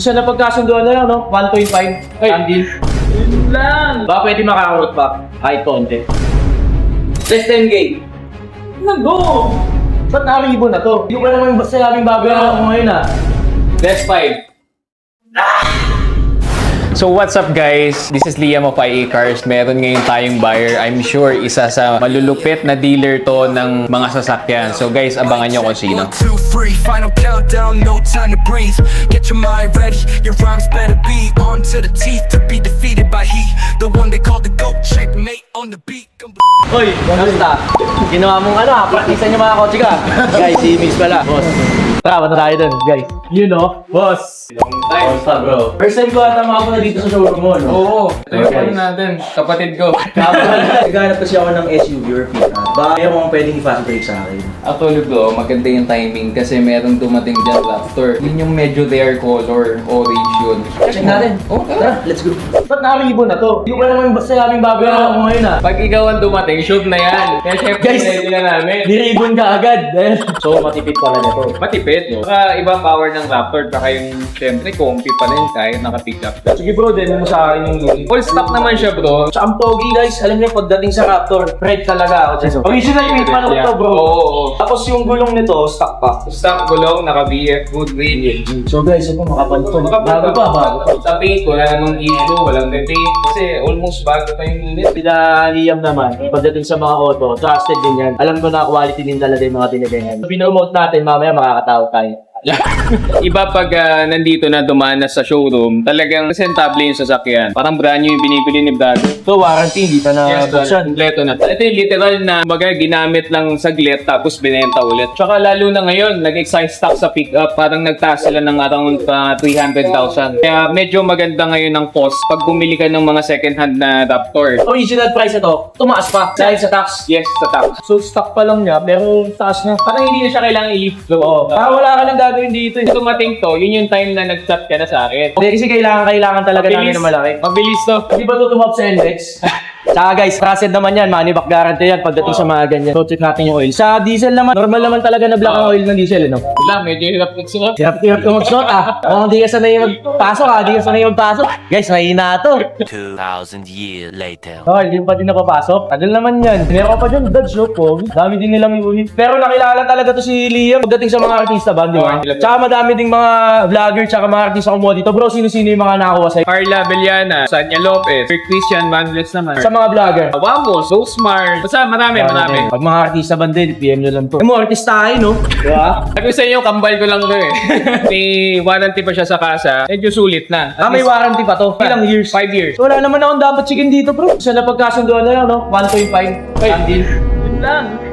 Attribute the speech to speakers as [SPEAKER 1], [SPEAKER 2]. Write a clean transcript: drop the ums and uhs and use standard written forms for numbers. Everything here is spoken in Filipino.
[SPEAKER 1] Sa napagkasunduan na lang, no? 1.5. Deal.
[SPEAKER 2] Yun lang.
[SPEAKER 1] Baka pwede makakarot pa. Kahit konti.
[SPEAKER 2] Less 10K. Nag-go.
[SPEAKER 1] Ba't nakalibo na to? Hindi ko naman basta aming babayaran ako ngayon ah.
[SPEAKER 2] Less 5.
[SPEAKER 3] So what's up guys? This is Liam of IA Cars. Meron ngayon tayong buyer. I'm sure isa sa malulupit na dealer to ng mga sasakyan. So guys, abangan nyo kung sino.
[SPEAKER 4] 1, 2, 3, final countdown, no time to breathe. Get your mind ready, your rhymes better be on to the teeth to be defeated by he, the one they call the GOAT, checkmate on the beat.
[SPEAKER 1] Hoy, kamusta? Ginawa mong ano ha? Praktisan niyo mga kotse ka. Guys, si Miss pala. Boss. Tara, punta tayo dun, guys. You know, boss. Kamusta bro? First time ko ata makapunta dito sa showroom mo, no?
[SPEAKER 3] Oo, ito yung ano natin, kapatid ko.
[SPEAKER 1] Naghanap kasi ako ng SUV or pickup. Baka meron kang pwedeng i-fast break sa akin.
[SPEAKER 3] Actually bro, maganda yung timing kasi meron dumating dyan Raptor. Yun yung medyo their color, orange yun.
[SPEAKER 1] Check natin.
[SPEAKER 3] Oh,
[SPEAKER 1] Tara, let's go. Ba't nakalibo na to? Hindi ko naman basta aming babayaran ako ngayon ah.
[SPEAKER 3] Pag ikaw ang dumating, shoot na yan. Kaya syempre,
[SPEAKER 1] Guys,
[SPEAKER 3] ready na namin.
[SPEAKER 1] Niribon ka agad. So, matipid pala na to.
[SPEAKER 3] Matipid, no? Saka ibang power ng Raptor, saka yung syempre, comfy pa rin kahit naka-pick up.
[SPEAKER 1] Sige bro, din mo sa akin yung look.
[SPEAKER 3] Full stock naman siya bro.
[SPEAKER 1] Sa ang pogi guys, alam niyo pagdating sa Raptor, red talaga ako. Original made pa lang to bro.
[SPEAKER 3] Oo.
[SPEAKER 1] Tapos yung gulong nito, stock pa.
[SPEAKER 3] Stock gulong, naka-VF, good weight.
[SPEAKER 1] So guys, ito makapal to. Bago pa, bago.
[SPEAKER 3] Sa paint, wala namang issue, walang repaint. Kasi almost bago pa yung unit.
[SPEAKER 1] Sila Liam naman, pagdating sa mga auto, trusted din yan. Alam ko na quality din talaga yung mga tinitingnan. Pinomote natin, mamaya makakatawag tayo.
[SPEAKER 3] Iba pag nandito na dumaan na sa showroom, talagang presentable yung sasakyan. Parang brand new yung binibili ni Brad.
[SPEAKER 1] So warranty, hindi pa na buksan.
[SPEAKER 3] Kompleto na. Ito yung literal na baga ginamit lang saglit tapos binenta ulit. Tsaka lalo na ngayon, nag-excise stock sa pickup, parang nagtaas sila ng around 300,000. Kaya medyo maganda ngayon ang cost pag bumili ka ng mga second hand na Raptor.
[SPEAKER 1] Original price ito, tumaas pa dahil sa tax.
[SPEAKER 3] Yes, sa tax.
[SPEAKER 1] So stock pa lang niya, pero taas na.
[SPEAKER 3] Parang hindi na siya kailangan i-lift.
[SPEAKER 1] Oo, parang wala ka nang gagawin dito.
[SPEAKER 3] Kung dumating to, yun yung time na nag-chat ka na sa akin.
[SPEAKER 1] Hindi kasi kailangan talaga namin na malaki.
[SPEAKER 3] Mabilis to.
[SPEAKER 1] Di ba ito tumap sa index? Tsaka guys, trusted naman yan, money back guarantee yan pagdating sa mga ganyan. So check natin yung oil. Sa diesel naman, normal naman talaga na black ang oil ng diesel, no?
[SPEAKER 3] Wala, medyo hirap magsuot.
[SPEAKER 1] Hirap ka mag-slot ah. Kung hindi ka sanay magpasok ah, hindi ka sanay magpasok. Guys, mahina to.
[SPEAKER 4] 2,000 years later.
[SPEAKER 1] Oh, hindi pa din napapasok. Tagal naman yan. Meron pa dyan, Dodge, no? Po. Dami din nilang iulit. Pero nakilala talaga to si Liam pagdating sa mga artista ba, di ba? Tsaka madami ding mga vlogger, tsaka mga artista kumuha dito. Bro, sino-sino yung mga nakakuha sa'yo?
[SPEAKER 3] Carla Beliana, Sanya Lopez, Sir Christian Manles naman.
[SPEAKER 1] Sa mga vlogger.
[SPEAKER 3] Wamos, So Smart. Basta marami.
[SPEAKER 1] Pag mga artista ba din, PM nyo lang to. Mo, artista tayo, no? Diba?
[SPEAKER 3] Sabi ko sa inyo, kambal ko lang to eh. May warranty pa siya sa kasa. Medyo sulit na.
[SPEAKER 1] Ah, may warranty pa to. Ilang years?
[SPEAKER 3] 5 years.
[SPEAKER 1] Wala naman akong dapat chicken dito, bro. Sa napagkasunduan na lang, no? 1.5. Deal.
[SPEAKER 2] Yun lang.